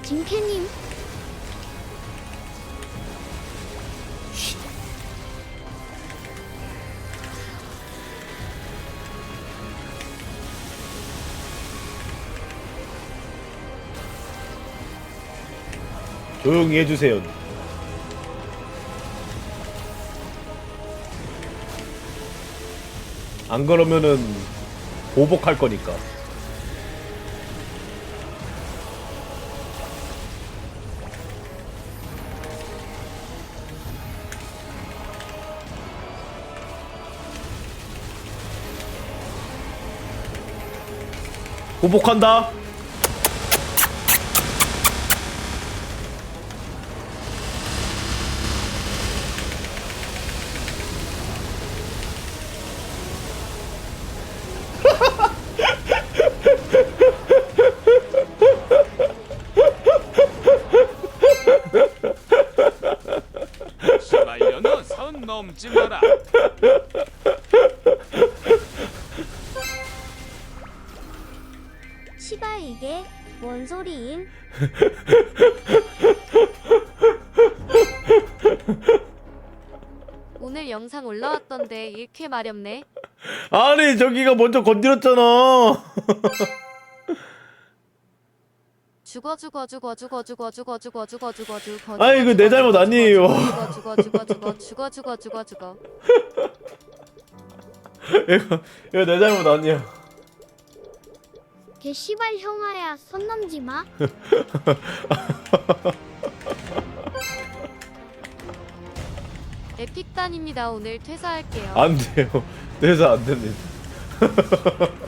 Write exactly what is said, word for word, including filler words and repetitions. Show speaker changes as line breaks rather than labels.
김캐님.
조용히 해주세요. 안 그러면은 보복할 거니까. 보복한다.
시발년아 선 넘지 마라.
시발 이게 뭔 소리임?
오늘 영상 올라왔던데 일쾌 마렵네.
아니 저기가 먼저 건드렸잖아.
죽어 죽어 죽어 죽어 죽어 죽어 죽어 죽어 죽어 죽어.
아니, 이거 내 잘못 아니에요.
죽어 죽어 죽어 죽어 죽어 죽어 죽어 죽어.
이거 이거 내 잘못 아니야.
개 시발 형아야 선 넘지 마.
에픽단입니다. 오늘 퇴사할게요.
안 돼요. 내사 안 됩니다.